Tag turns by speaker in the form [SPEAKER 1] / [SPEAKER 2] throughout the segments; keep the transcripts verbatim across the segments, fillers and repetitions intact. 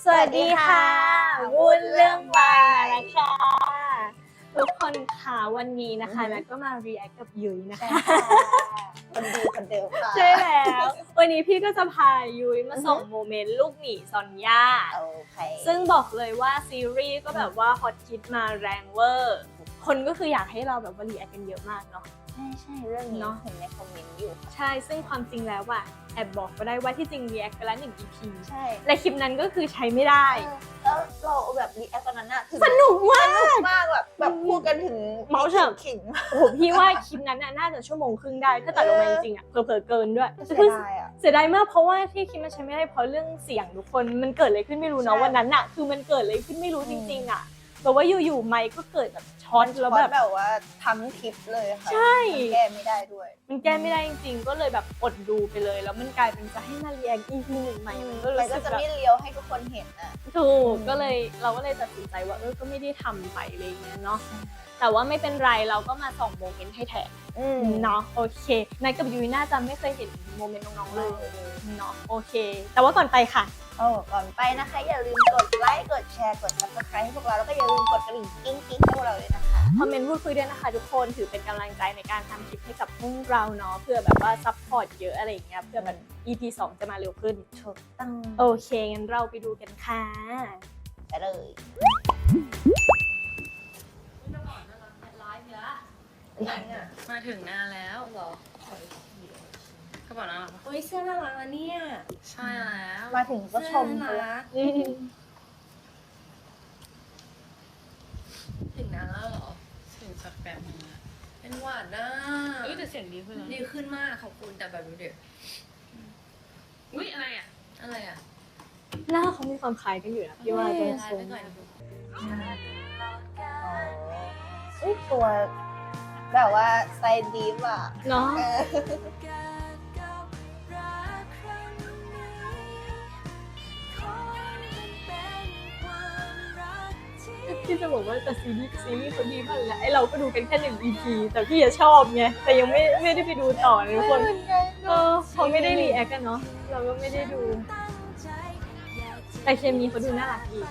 [SPEAKER 1] สวัสดีค่ะวุ้นเรื่องวายนะคะทุกคนค่ะวันนี้นะคะนัทก็มา react กับยุ้ยนะคะ
[SPEAKER 2] คนดีคนเดิมค่ะ
[SPEAKER 1] ใช่แล้ววันนี้พี่ก็จะพายุ้ยมาส่งโมเมนต์ลูกหมีซอนย่าซึ่งบอกเลยว่าซีรีส์ก็แบบว่าฮอตฮิตมาแรงเวอร์คนก็คืออยากให้เราแบบว่า react กันเยอะมากเนาะ
[SPEAKER 2] ใช่ใช่เรื่องนี้เนาะเห็นในคอมเมนต์อยู่
[SPEAKER 1] ใช่ซึ่งความจริงแล้วอะแอบบอกก็ได้ว่าที่จริง react ไปแล้วหนึ่ง อี พี
[SPEAKER 2] ใช่
[SPEAKER 1] และคลิปนั้นก็คือใช้ไม่ได้
[SPEAKER 2] แล้วเราแบบรีแอคตอนนั้นอะ
[SPEAKER 1] สนุกมาก
[SPEAKER 2] สนุกมากแบบแบบพูดกันถึง
[SPEAKER 1] เมาส์เฉิง
[SPEAKER 2] ขิง
[SPEAKER 1] โอ้โหพี่ว่าคลิปนั้นน่าจะชั่วโมงครึ่งได้ถ้าตัดลงมาจริงๆอะเผลอๆเกินด้วย
[SPEAKER 2] เสียดายอะ
[SPEAKER 1] เสียดายมากเพราะว่าที่คลิปมันใช้ไม่ได้เพราะเรื่องเสียงทุกคนมันเกิดอะไรขึ้นไม่รู้เนาะวันนั้นอะคือมันเกิดอะไรขึ้นไม่รู้จริงๆอะแบบว่าอยู่ๆไมค์ก็เกิดแบบช็อตแล้วแบบ
[SPEAKER 2] แบบว่าทั้งคลิปเลยค่ะ
[SPEAKER 1] ใช่
[SPEAKER 2] แก้ไม่ได้ด้วย
[SPEAKER 1] มันแก้ไม่ได้จริงๆก็เลยแบบอดดูไปเลยแล้วมันกลายเป็นจะให้มาเรียง อี พี หนึ่งใหม่มันก็รู้สึก
[SPEAKER 2] จะไม่เลี้ยวให้ทุกคนเห็นอ่ะ
[SPEAKER 1] ถูกก็เลยเราก็เลยตัดสินใจว่าเออก็ไม่ได้ทำไปอะไรเงี้ยเนาะแต่ว่าไม่เป็นไรเราก็มาส่องโมเมนต์ให้แทนเนาะโอเคนัทกับยุ้ยน่าจะไม่เคยเห็นโมเมนต์น้องๆเลยเนาะโอเคแต่ว่าก่อนไปค่ะ
[SPEAKER 2] โอ้ก่อนไปนะคะอย่าลืมกดไลค์กดแชร์กด ซับสไครบ์ ให้พวกเราแล้วก็อย่าลืมกดกระดิ่งกิ๊งกิ๊งให้พวกเราเลยนะคะ
[SPEAKER 1] คอมเมนต์พูดคุยด้วยนะคะทุกคนถือเป็นกำลังใจในการทำคลิปให้กับพวกเราเนาะเพื่อแบบว่าซัพพอร์ตเยอะอะไรอย่างเงี้ยเพื่อแบบ อี พี สองจะมาเร็วขึ้น
[SPEAKER 2] ถูกต้อง
[SPEAKER 1] โอเคงั้นเราไปดูกันค่ะ
[SPEAKER 2] ไปเลย
[SPEAKER 3] มาถึงหน้าแล้วเหรอกระเป๋าน่ารักปะ
[SPEAKER 4] โอ้ยเสื้อน่ารักนะเนี่ย
[SPEAKER 3] ใช่แล้ว
[SPEAKER 2] มาถึงก็ชม
[SPEAKER 4] เสื้อน่ารัก
[SPEAKER 3] ถึงหน้าแล้วเหรอเสียงสักแบบนึงนะ
[SPEAKER 4] เป็นหวานนะ
[SPEAKER 3] เอ้ยแต่เสียงดีขึ้นแล้ว
[SPEAKER 4] ดีขึ้นมากขอบคุณแต่แบบดูเด็ก
[SPEAKER 3] อุ้ยอะไรอ่ะ
[SPEAKER 4] อะไรอ่ะ
[SPEAKER 1] หน้าเขามีความคล้ายกันอยู่นะพี่ว่าจะชม
[SPEAKER 2] อุ้ยตัวแบบว่าไซด์ดีฟอ่ะ
[SPEAKER 1] เนาะพี่จะบอกว่าแต่ซีรีส์ซีรีส์เขาดีมากเลยนะไอเราก็ดูกันแค่หนึ่ง อี พี แต่พี่จะชอบไงแต่ยังไม่ไม่ได้ไปดูต่อทุกคนเออเขาไม่ได้รีแอคกันเนาะเราก็ไม่ได้ดูแต่เคมีเขาดูน่ารักดี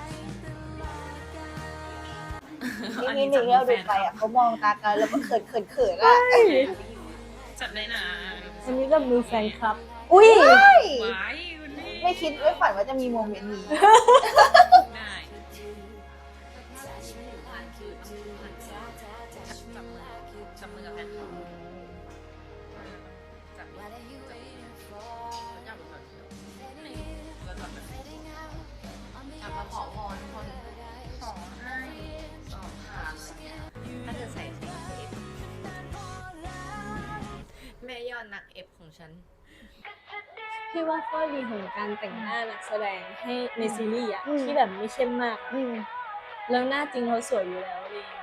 [SPEAKER 2] นี่หนึ่งเราดูไปอ่ะเขามองตากันแล้วก็เขินเขินเขินอ่ะ
[SPEAKER 3] จับได้นะ
[SPEAKER 1] อันนี้ก็มือแฟนคลับ
[SPEAKER 2] อุ้ย
[SPEAKER 3] ไม่
[SPEAKER 2] คิดไม่ฝันว่าจะมีโมเมนต์นี้
[SPEAKER 3] ได้จับมือกับแฟนเขาจับมือจับมือก่อนแล้วจับแบบจับมาขอพรคนขอให้สอบผ่านถ้าเธอใส่ใส่เอฟแม่ยอดนักเอฟของฉัน
[SPEAKER 1] พี่ว่าข้อดีของการแต่งหน้านักแสดงให้ในซีรีส์อะที่แบบไม่เข้มมากแล้วหน้าจริงเขาสวยอยู่แล้วเอง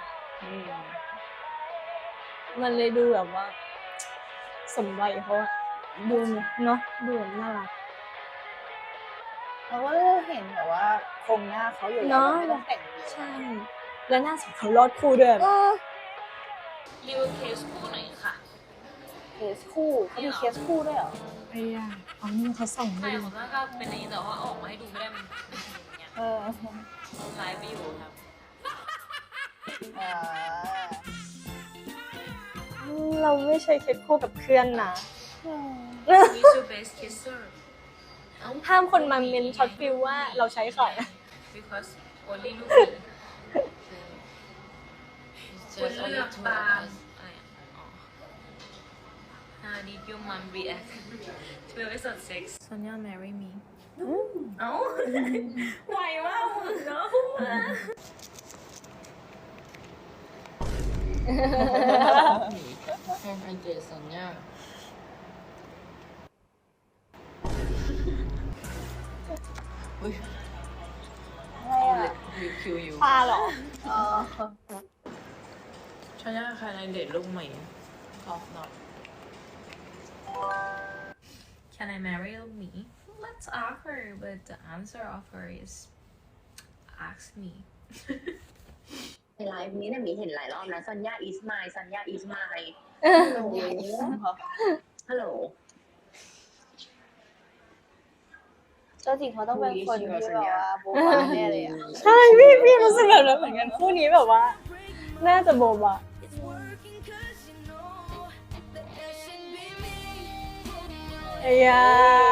[SPEAKER 1] มันเลยดูแบบว่าสมวัยเขาอะดูเนาะดูแบบน่ารัก
[SPEAKER 2] เราก็เห็นแบบว่าโครงหน้าเขาอยู่แล้วไม่ต้องแต่งเยอะ
[SPEAKER 1] ใช่แล้วหน้าสวยเขารอดคู่ด้วย
[SPEAKER 3] รีวิวเคสคู่หน่อยค่ะ
[SPEAKER 2] เคสคู่เขามีเคสคู่ด้วยเหรอ
[SPEAKER 1] ไอ้ย่าเอานี่เขาส่ง
[SPEAKER 3] ใช่ผมว่าก็เป็นอย่างนี้แต่ว่าออกมาให้ดูไม่ได้มันเป็นอย่างเงี้ย
[SPEAKER 2] เออ
[SPEAKER 3] ไลฟ์ไปอยู่ครับ
[SPEAKER 1] เราไม่ใช่เคสคู่กับเพื่อนนะ
[SPEAKER 3] มีชูเบสคิสเซอร์
[SPEAKER 1] ห้ามคนมาเมนช็อตฟิลว่าเราใช้ใคร
[SPEAKER 3] because only ลูกนี้คุณเลือกบางHow did your mom react to episode six? Sonia marry me. เอ้าไหวมากเนาะ
[SPEAKER 4] แฟนอันเจสันเนี่ย
[SPEAKER 2] อะไรอ่ะ
[SPEAKER 3] รีวิวอยู่
[SPEAKER 1] ปลาหรอ
[SPEAKER 2] อ๋อ
[SPEAKER 3] ชายาใครในเดทลูกใหม่ตอบหน่อย Can I marry me? Let's ask her, but the answer of her is ask me.
[SPEAKER 4] ในไลฟ์นี้เนี่ยมีเห็นหลายรอบนะซันยาอิสมายซันยาอิสมายฮัลโหล
[SPEAKER 2] เจ้าจริงเขาต้องเป็นคนที่แบบว่าโบ๊ะบ้าแน่เลยอ่ะ
[SPEAKER 1] ใช่พี่พี่รู้สึกแบบนั้นเหมือนกันคู่นี้แบบว่า น่าจะโบบะเอ้ยา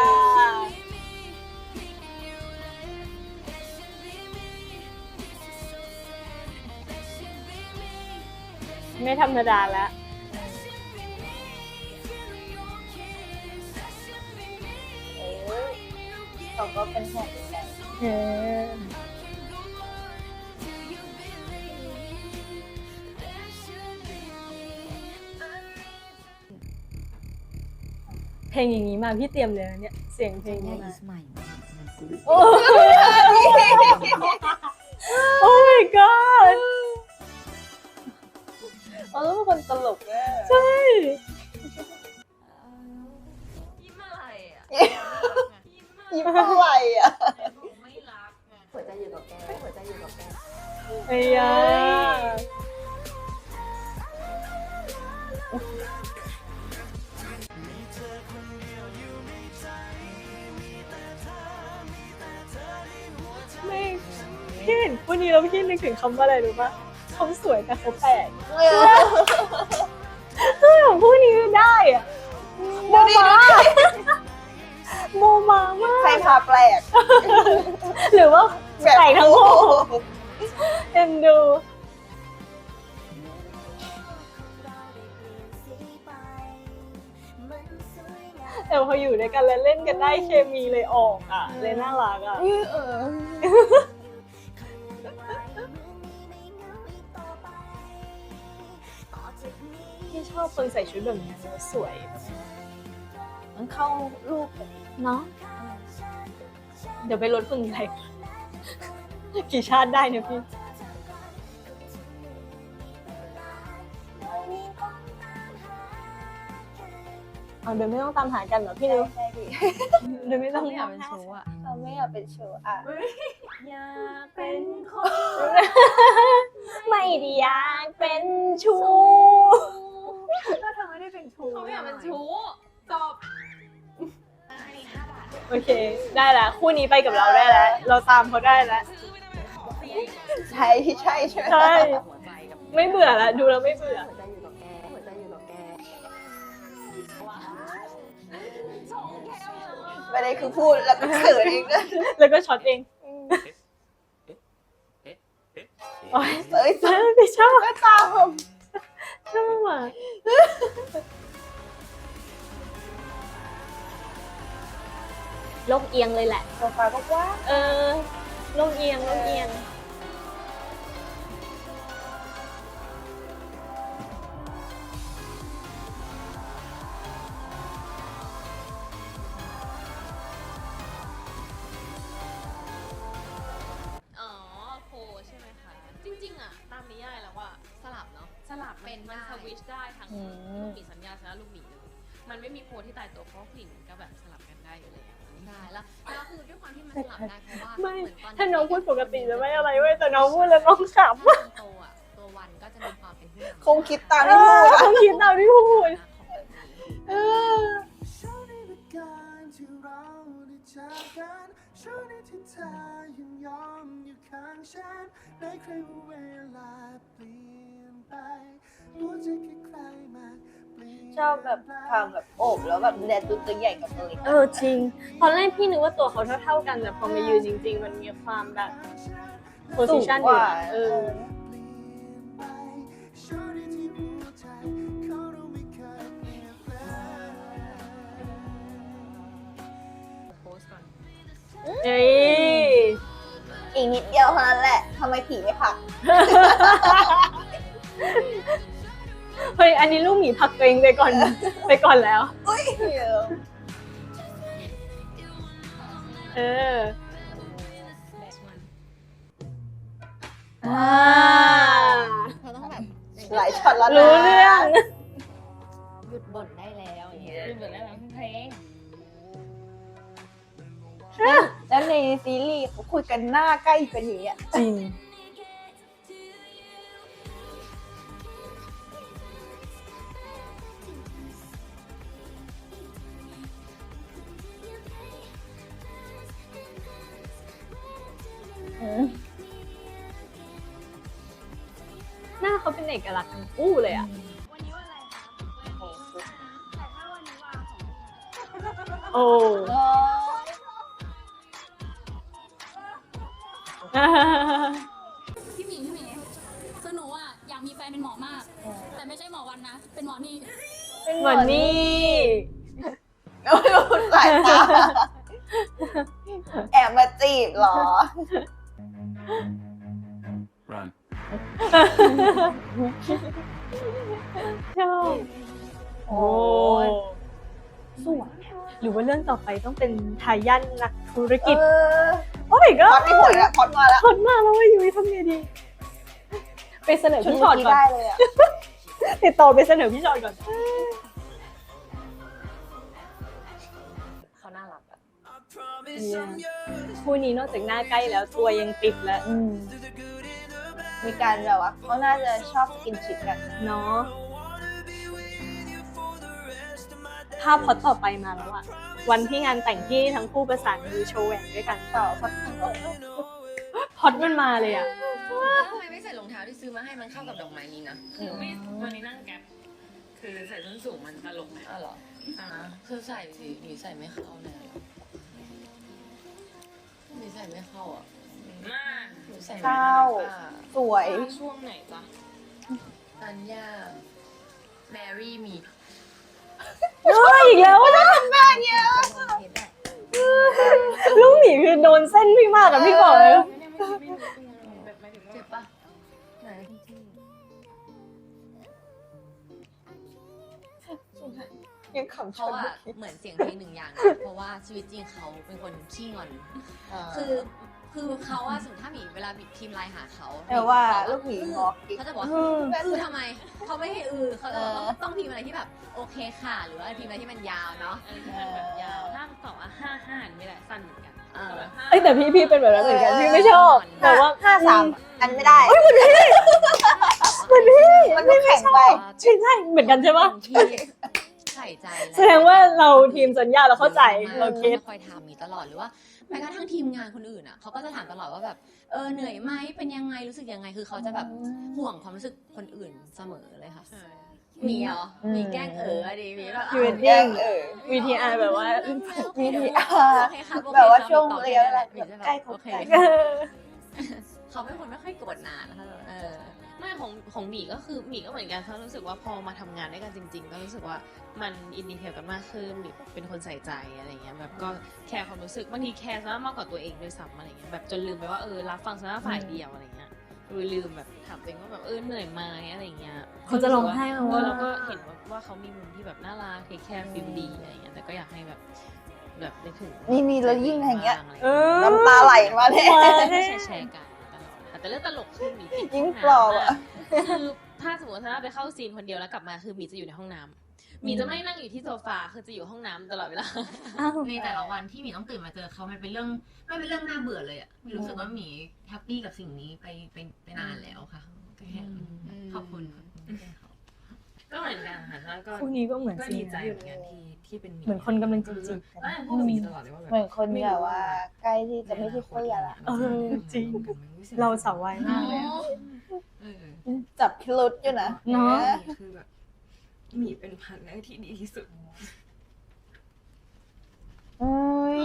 [SPEAKER 1] ไม่ธรรมดาแล้ว
[SPEAKER 2] เออเขาก็เป็นห่วงเป็นใย
[SPEAKER 1] เออเพลงอย่างนี้มาพี่เตรียมเลยนะเนี่ยเสียงเพลงนี้มาโอ้ โอ้ my god
[SPEAKER 2] เขาต้องเป็นคนตลกแน่
[SPEAKER 1] ใช่
[SPEAKER 3] ยิ้มอะไรอ่ะ
[SPEAKER 2] ยิ้มอะไรอ่ะ
[SPEAKER 3] ไม่รักไง
[SPEAKER 4] หัวใจอยู่กับแกหัวใจอยู่กับแก
[SPEAKER 1] ไอ้ยาไม่พี่เห็นคู่นี้แล้วพี่นึกถึงคำว่าอะไรรู้ปะเขาสวยแต่เขาแปลกคือของคู่นี้ได้อะโมมาโมมามาก
[SPEAKER 2] ใครพาแปลก
[SPEAKER 1] หรือว่าแปลกทั้งคู่เอ็นดูแต่พออยู่ด้วยกันแล้วเล่นกันได้เคมีเลยออกอ่ะเลยน่ารักอ่ะ
[SPEAKER 2] เออ
[SPEAKER 1] พี่ชอบคนใส่ชุดแบบนี้แล้วสวย
[SPEAKER 2] มันเข้ารูปแบบ
[SPEAKER 1] เนาะเดี๋ยวไปลดฝุ่นใส่กี่ชาติได้เนี่ยพี่เอาเดี๋ยวไม่ต้องตามหากันเหรอพี่นิว
[SPEAKER 2] ใช่ดิ
[SPEAKER 1] เดี๋ยวไม่ต้อง
[SPEAKER 3] ไม่อยากเป็นชู้อ่ะ
[SPEAKER 2] เขาไม่อยากเป็นโชว์อ่ะ
[SPEAKER 3] อยากเป็นคน
[SPEAKER 1] ไม่ได้อยากเป็นชู้
[SPEAKER 2] ถ้าเธอไม่ได้เป็นชู
[SPEAKER 3] เขาไม่อยากเป็นชู้จบ
[SPEAKER 1] โอเค ได้แล้วคู่นี้ไปกับเราได้แล้ว เราตามเขาได้แล้ว
[SPEAKER 2] ใช่ใช่ใช่ไหม
[SPEAKER 1] ใช่
[SPEAKER 4] หัวใจกับ
[SPEAKER 1] ไม่เบื่อแล้วดูแล้วไม่เบื่อ
[SPEAKER 4] หัวใจอยู่กับแกหัวใจอยู่กับแก
[SPEAKER 2] ไม่ได้คือพูดแล้วก็เขินเองด้วย
[SPEAKER 1] แล้วก็ช็อตเองโอ๊ย
[SPEAKER 2] เอ้ย
[SPEAKER 1] เออพี่ชอบ
[SPEAKER 2] ก็ตาม
[SPEAKER 1] ชอบอ่ะโลกเอียงเลยแหละ
[SPEAKER 2] โซฟาก็กว้าง
[SPEAKER 1] เออโลกเอียงโลกเอียง
[SPEAKER 3] อ๋อโคใช่ไหมคะ จริงๆอ่ะ ตามนิยายแล้วว่าสลับเนาะ สลับเป็นมันสวิตช์ได้ทั้งลูกหมีสัญญาชนะลูกหมีเลย มันไม่มีโพที่ตายตัวเพราะกลิ่นมันก็แบบสลับกันได้อยู่แล้วใช่แล้วแล้วคือด้วยความที่มันสลับได้เพราะว่า
[SPEAKER 1] ไม่
[SPEAKER 3] เหมือนตอน
[SPEAKER 1] ถ้าน้องพูดปกติจะไม่อะไรเว้ยแต่น้องพูดแล้วน้องขำ
[SPEAKER 3] ตอนโตอ่ะตัววันก็จะมีความเป็นผู้นำ
[SPEAKER 2] คงคิดตามที่พูดอะ
[SPEAKER 1] เขาคิดตามที่พูดเออ
[SPEAKER 5] ช่วงนี้เป็นการที่เราได้จากกันช่วงนี้ที่เธอยังยอมอยู่ข้างฉันในใครว่าเวลาเปลี่ยนไปรู้ใจแค่ใครมาเปลี่ยน
[SPEAKER 2] ชอบแบบความแบบโอบแล้วแบบแดดตัวตัวใหญ่กับตัวเล็ก
[SPEAKER 1] เออจริง ตอนแรกพี่นึกว่าตัวเขาเท่าๆกันแต่พอมายืนจริง ๆ มันมีความแบบโพสิชันอยู่อะเออ
[SPEAKER 5] ช่วงนี้ที่หัวใจเขารู้ไม่เคยเปลี่ยนแปลง
[SPEAKER 3] โพสต์ก่อน
[SPEAKER 1] เอ้ย
[SPEAKER 2] อีกนิดเดียวเท่านั้นแหละทำไมผีไม่พัก
[SPEAKER 1] เฮ้ยอันนี้ลูกหมีพักตัวเองไปก่อนไปก่อนแล้ว
[SPEAKER 2] อุ้ย
[SPEAKER 1] เออ
[SPEAKER 3] next one
[SPEAKER 1] อ่า
[SPEAKER 3] เราต้องแบบ
[SPEAKER 2] หลายช็อตแล้วนะ
[SPEAKER 1] รู้เรื่อง
[SPEAKER 3] หยุดบ่นได้แล้วอย่างเงี้ยหยุดบ่นได้แล้วเพลง
[SPEAKER 2] แล้วในซีรีส์เขาคุยกันหน้าใกล้กันอย่างเงี้ย
[SPEAKER 1] จริง
[SPEAKER 5] เ
[SPEAKER 1] หน้าเขาเป็นเอกลักษณ์ทั้งคู่เลยอ่ะ
[SPEAKER 3] วันนี้วันอะไรคะแต่ถ้าวันนี้วันของ
[SPEAKER 1] โอ้
[SPEAKER 6] พี่หมิงพี่หมิงคือหนูอ่ะอยากมีแฟนเป็นหมอมาก แต่ไม่ใช่หมอวันนะ เป็นหมอนี่
[SPEAKER 1] เหมือนนี่
[SPEAKER 2] สายตาแอบมาจีบเหรอ
[SPEAKER 5] Run.
[SPEAKER 1] ชอบโอ้สวยหรือว่าเรื่องต่อไปต้องเป็นทายาทนักธุรกิจ
[SPEAKER 2] เออ
[SPEAKER 1] โอ้ยก็
[SPEAKER 2] พอดไม่ผลแล้วพอดมาแล้ว
[SPEAKER 1] พอดมาแล้วว่ายุ้ยทำไงดี ไปเสนอพี่ชอตก่อน
[SPEAKER 2] ได้เลยอ่ะ
[SPEAKER 1] ติดต่อไปเสนอพี่ชอตก่อน
[SPEAKER 3] เขาน่ารักอะ
[SPEAKER 1] คู่นี้นอกจากหน้าใกล้แล้วตัวยังติดแล้ว
[SPEAKER 2] อืมมีการแบบว่าเขาน่าจะชอบสกินชิปกัน
[SPEAKER 1] เนาะภาพพอดต่อไปมาแล้วอะวันที่งานแต่งที่ทั้งคู่ประสานมือโชว์แหวนด้วยกัน
[SPEAKER 2] ต่อพัก
[SPEAKER 1] พอดมันมาเลยอะ
[SPEAKER 3] ทำไมไม่ใส่รองเท้าที่ซื้อมาให้มันเข้ากับดอกไม้นี้นะ
[SPEAKER 7] ไม่วันนี้นั่งแก๊ปคือใส่ส้นสูงมันตลกไหม
[SPEAKER 3] อ้าวเหรออ่าคือใส่สิหนีใส่ไม่เข้าเลยหนีใส่ไม่เข้าอ่ะ
[SPEAKER 7] มาก
[SPEAKER 3] หนูใส่ไม่
[SPEAKER 2] เข้า
[SPEAKER 3] ค่ะ
[SPEAKER 2] สวย
[SPEAKER 7] ช่วงไหนจ๊ะ
[SPEAKER 3] อัญญาแมรี่มี
[SPEAKER 1] เฮ้ยอีกแล้วอะ ลูกหมีคือโดนเส้นพี่มากอะพี่บอกเลย
[SPEAKER 7] แบบไม่ถึงว่า
[SPEAKER 3] เจ็บปะไหน
[SPEAKER 2] ยังขำช
[SPEAKER 3] เขา
[SPEAKER 2] น
[SPEAKER 3] อะเหมือนเสียงเพลงหนึ่งอย่างนะเพราะว่าชีวิตจริงเขาเป็นคนขี้งอน คือคือเขาอะสมมติถ้าหมีเวลาพิมพ์ไลน์หาเขา
[SPEAKER 2] แต่ว่า
[SPEAKER 3] บอก
[SPEAKER 2] ลูกหมีงอกกิ๊ก
[SPEAKER 3] เขาจะบอกว่า
[SPEAKER 1] อืม
[SPEAKER 3] อือทำไมเขาไม่ให้อือเขาจะ
[SPEAKER 2] เออ
[SPEAKER 3] ต้องพิมพ์อะไรที่แบบโอเคค่ะ หรือว่าพิมพ์อะไรที่มันยาวเนาะ
[SPEAKER 7] อันนี้มันแบบยาวถ้าตอบว่าห้าห้าไม่ได้สั้นเหมือนกัน
[SPEAKER 3] เออ
[SPEAKER 7] แบบห้า
[SPEAKER 1] เอ้ยแต่พี่พี่เป็นแบบนั้นเหมือนกันพี่ไม่ชอบแต่ว่า
[SPEAKER 2] ห้าสามอันไม่ได้
[SPEAKER 1] มันพี่
[SPEAKER 2] มันไม่แข็งไป
[SPEAKER 1] ใช่ใช่เหมือนกันใช่ปะ
[SPEAKER 3] ที่ใส่ใจ
[SPEAKER 1] แสดงว่าเราทีมสัญญาเราเข้าใจเรา
[SPEAKER 3] เรา
[SPEAKER 1] เก็ต
[SPEAKER 3] คอยถามมีตลอดหรือว่าแม้กระทั่งทีมงานคนอื่นอ่ะเขาก็จะถามตลอดว่าแบบเออเหนื่อยไหมเป็นยังไงรู้สึกยังไงคือเขาจะแบบห่วงความรู้สึกคนอื่นเสมอเลยค่ะ
[SPEAKER 7] ใช่
[SPEAKER 3] มีเหรอ
[SPEAKER 2] อืม
[SPEAKER 3] มีแกล้งเอออะดีมีแบบ
[SPEAKER 1] อยู่
[SPEAKER 2] แย่งเออ
[SPEAKER 1] วีทีอาร์แบบว่า
[SPEAKER 2] วีทีอาร์แบบว่าช่วงระยะเวลาใกล้เขา
[SPEAKER 3] โอเค
[SPEAKER 2] ใกล้
[SPEAKER 3] เขาเป็นคนไม่ค่อยโกรธนานนะคะเออ
[SPEAKER 7] ไม่ของของหมีก็คือหมีก็เหมือนกันเขารู้สึกว่าพอมาทำงานด้วยกันจริง ๆ ก็รู้สึกว่ามันอินดีเทลกันมากขึ้นหมีเป็นคนใส่ใจอะไรเงี้ยแบบก็แคร์ความรู้สึกบางทีแคร์ซะมากกว่าตัวเองด้วยซ้ำอะไรเงี้ยแบบจนลืมไปว่าเออรับฟังซะฝ่ายเดียวอะไรเงี้ยลืมแบบถามตัวเองว่าแบบเออเหนื่อยไหมอะไรเงี้ย
[SPEAKER 1] เขาจะร้องไห้เอา
[SPEAKER 7] เอ
[SPEAKER 1] ว่า
[SPEAKER 7] อเราก็เห็นว่าว่าเขามีมุมที่แบบน่ารักเทคแคร์ฟิลดีอะไรเงี้ยแต่ก็อยากให้แบบแบบได้ถึง
[SPEAKER 2] นี่มีแล้วยิ่งอย่างเงี้ย
[SPEAKER 1] เออ
[SPEAKER 2] น้ำตาไหลมาเนี่ย
[SPEAKER 1] มา
[SPEAKER 7] แช
[SPEAKER 1] แน่
[SPEAKER 7] ร์แชร์กันตลอดค่ะแต่เรื่องตลกคือหมีติด
[SPEAKER 2] ยิ่งปลอบอะ
[SPEAKER 7] คือถ้าสมมติถ้าไปเข้าซีนคนเดียวแล้วกลับมาคือหมีจะอยู่ในห้องน้ำหมีจะไม่นั่งอยู่ที่โซฟาคือจะอยู่ห้องน้ำตลอดเวลา
[SPEAKER 1] อ้าว
[SPEAKER 8] ในแต่ละวันที่หมีต้องตื่นมาเจอเขามันเป็นเรื่องไม่เป็นเรื่องน่าเบื่อเลยอะหมีรู้สึกว่าหมีแฮปปี้กับสิ่งนี้ไปไปไปนานแล้วค่ะก็แค่ขอบคุณค่ะ
[SPEAKER 7] ก็เหมือนกันค่ะแล้วก็
[SPEAKER 1] คู่นี้ก็เหมือน
[SPEAKER 7] ก็
[SPEAKER 1] ซี
[SPEAKER 7] ดี
[SPEAKER 1] น
[SPEAKER 7] ใจ
[SPEAKER 1] อยู่
[SPEAKER 7] เหมือนกันที่ที่เป็นหมี
[SPEAKER 1] เหมือนคนกำลังจีบๆกัน
[SPEAKER 7] แล้วพูดกับหมีตลอดเลยว่าแบบ
[SPEAKER 2] เหมือนคนแบบว่าใกล้ที่จะไม่ใช่เพื่อนละ
[SPEAKER 1] เออจริง เราสาววายมากเลยอะ
[SPEAKER 7] เออ
[SPEAKER 2] จับพิรุษอยู่นะ
[SPEAKER 1] เนาะ
[SPEAKER 7] คือแบบหมีเป็นพันธุ์แรกที่ดีที่สุด
[SPEAKER 2] โอ้ย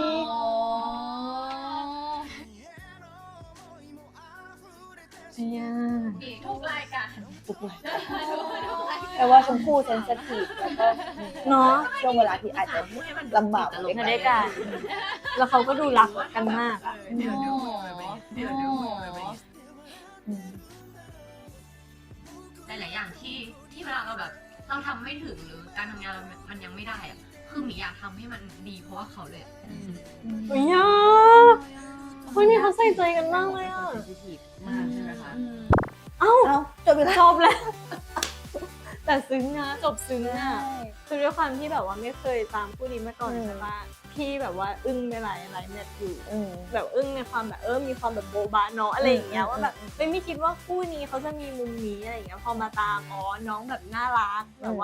[SPEAKER 1] เนี่ย
[SPEAKER 3] ทุกรายการ
[SPEAKER 1] ปุกเลย
[SPEAKER 2] แต่ว่าชมพู่เซนซิทีฟแล้วก็
[SPEAKER 1] เนาะ
[SPEAKER 2] ช่วงเวลาที่อาจจะลำบาก
[SPEAKER 1] ในได้กันแล้วเขาก็ดูรักกันมากอะ
[SPEAKER 7] เดี๋ยวเดี๋ยวพูดไปเดี๋ยวเดี๋ยวพูดไป
[SPEAKER 1] อืม
[SPEAKER 8] หลายๆอย่างที่ที่เวลาเราแบบเราทำไม่ถึงหรือการทำงานเรามันยังไม่ได้อะคือหมีอยากทำให้มันดีเพราะว่าเขาเลยอะ
[SPEAKER 1] โอ้ยอ่ะเฮ้ยนี่เขาใส่ใจกันมากเลยอ่ะ
[SPEAKER 7] เซนซิทีฟมากใช่ไหมคะ
[SPEAKER 1] เอ้า
[SPEAKER 2] เอ้าจบไปแล้ว
[SPEAKER 1] จบแล้ว แต่ซึ้งนะจบซึ้งอ่ะคือด้วยความที่แบบว่าไม่เคยตามผู้นี้มาก่อนใช่ปะพี่แบบว่าอึ้งไปหลายหลายแมทอยู่
[SPEAKER 2] อืม
[SPEAKER 1] แบบอึ้งในความแบบเออมีความแบบโบบะเนาะอะไรอย่างเงี้ยว่าแบบไม่ไม่คิดว่าคู่นี้เขาจะมีมุมนี้อะไรอย่างเงี้ยพอมาตามอ๋อน้องแบบน่ารักแบบว่า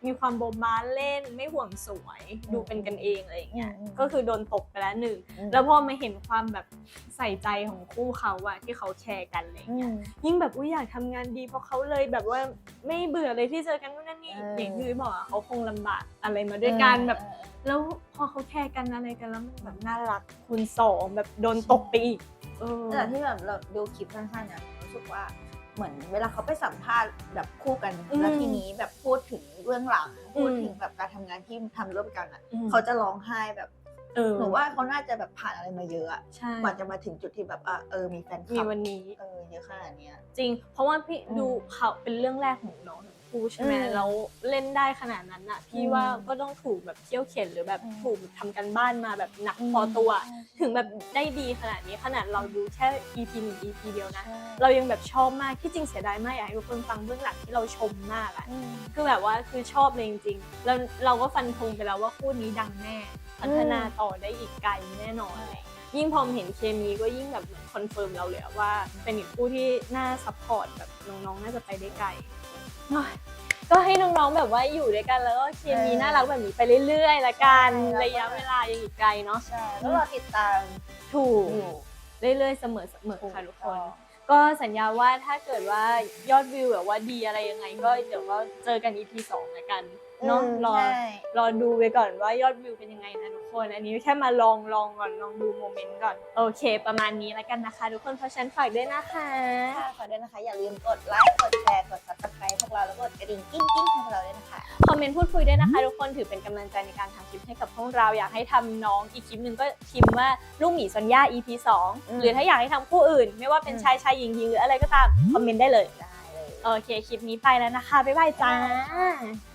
[SPEAKER 1] มีความโบบาเล่นไม่ห่วงสวยดูเป็นกันเองอะไรอย่างเงี้ย
[SPEAKER 2] อืม
[SPEAKER 1] ก็คือโดนตกไปแล้วหนึ่ง
[SPEAKER 2] อืม
[SPEAKER 1] แล้วพอมาเห็นความแบบใส่ใจของคู่เขาอะที่เขาแชร์กันอะไรอย่างเงี้ยยิ่งแบบอุ้ยอยากทำงานดีเพราะเขาเลยแบบว่าไม่เบื่อเลยที่เจอกันนู่นนั่นนี่
[SPEAKER 2] เออ
[SPEAKER 1] อ
[SPEAKER 2] อ
[SPEAKER 1] ย่างที่บอกอะเขาคงลำบากอะไรมาด้วยกันแบบ
[SPEAKER 2] เออ
[SPEAKER 1] แล้วพอเขาแชร์กันอะไรกันแล้วมันแบบน่ารักคูณสองแบบโดนตกไปอีกเออ
[SPEAKER 2] แต่ที่แบบเราดูคลิปสั้นๆเนี่ยรู้สึกว่าเหมือนเวลาเขาไปสัมภาษณ์แบบคู่กัน
[SPEAKER 1] อืม
[SPEAKER 2] แล้วทีนี้แบบพูดถึงเรื่องหลัง
[SPEAKER 1] อืม
[SPEAKER 2] พูดถึงแบบการทำงานที่ทำร่วมกันอ่ะ
[SPEAKER 1] อืม
[SPEAKER 2] เขาจะร้องไห้แบบ
[SPEAKER 1] เออ
[SPEAKER 2] หนูว่าเขาน่าจะแบบผ่านอะไรมาเยอะอะ
[SPEAKER 1] ใช่
[SPEAKER 2] กว่าจะมาถึงจุดที่แบบอ่ะเออมีแฟนค
[SPEAKER 1] มี
[SPEAKER 2] ลับ
[SPEAKER 1] วันนี้
[SPEAKER 2] เออเยอะขนาดเนี้ย
[SPEAKER 1] จริง เพราะว่าพี่
[SPEAKER 2] อืม
[SPEAKER 1] ดูเขาเป็นเรื่องแรกของน้องทั้งคู่ใช่ไหม
[SPEAKER 2] อืม
[SPEAKER 1] แล้วเล่นได้ขนาดนั้นอ่ะพี่
[SPEAKER 2] อืม
[SPEAKER 1] ว่าก็ต้องถูกแบบเขี่ยวเข็นหรือแบบ
[SPEAKER 2] อืม
[SPEAKER 1] ถูกแบบทำกันบ้านมาแบบหนัก
[SPEAKER 2] อืม
[SPEAKER 1] พอตัว
[SPEAKER 2] ใช่
[SPEAKER 1] ถึงแบบได้ดีขนาดนี้ขนาดเราดูแค่ อี พี หนึ่ง อี พี เดียวนะ
[SPEAKER 2] ใช่
[SPEAKER 1] เรายังแบบชอบมากที่จริงเสียดายมากอยากให้ทุกคนฟังเบื้องหลังที่เราชมมากอะ
[SPEAKER 2] อืม
[SPEAKER 1] คือแบบว่าคือชอบเลยจริงๆแล้วเราก็ฟันธงไปแล้วว่าคู่นี้ดังแน่ พัฒนาต่อได้อีกไกลแน่นอนเลยยิ่งพอเห็นเคมีก็ยิ่งแบบเหมือนคอนเฟิร์มเราเลยอะว่าเป็นอีกคู่ที่น่าซัพพอร์ตแบบน้องๆน่าจะไปได้ไกลโอ้ยก็ให้น้องๆแบบว่าอยู่ด้วยกันแล้วก็เคมี
[SPEAKER 2] เออ
[SPEAKER 1] น่ารักแบบนี้ไปเรื่อยๆละกัน
[SPEAKER 2] ใช่
[SPEAKER 1] ระยะเวลายังอีกไกลเนาะ
[SPEAKER 2] ใช่แล้วเราติดตาม
[SPEAKER 1] ถูก
[SPEAKER 2] อยู่
[SPEAKER 1] เรื่อยๆเสมอๆค่ะทุกคน ก็สัญญาว่าถ้าเกิดว่ายอดวิวแบบว่าดีอะไรยังไงก็เดี๋ยวก็เจอกัน อี พี สองละกันเนาะ
[SPEAKER 2] อืม
[SPEAKER 1] รอ
[SPEAKER 2] ใช่
[SPEAKER 1] รอดูไปก่อนว่ายอดวิวเป็นยังไงนะทุกคน อันนี้แค่มาลองลองก่อนลองดูโมเมนต์ก่อนโอเค ประมาณนี้แล้วกันนะคะทุกคนเพราะฉะนันฝากด้วยนะคะ
[SPEAKER 2] ค่ะขอด้วยนะคะอย่าลืมกดไลค์กดแชร์กด ซับสไครบ์ พวกเราแล้วกดกระดิ่งกิ้งกิ้งให้พวกเราด้วยนะคะ
[SPEAKER 1] คอมเมนต์พูดคุยด้วยนะคะทุกคนถือเป็นกำลังใจในการทำคลิปให้กับพวกเราอยากให้ทำน้องอีกคลิปหนึ่งก็พิมพ์ว่าลูกหมีซอนย่า อี พี สอง
[SPEAKER 2] อืม
[SPEAKER 1] หรือถ้าอยากให้ทำคู่อื่น ไม่ว่าเป็น
[SPEAKER 2] อืม
[SPEAKER 1] ชายชายหญิงหญิงหรืออะไรก็ตามคอมเมนต์ได้เลย
[SPEAKER 2] ได้เลย
[SPEAKER 1] โอเค คลิปนี้ไปแล้วนะคะ บ๊ายบายจ้า
[SPEAKER 2] บ๊ายบาย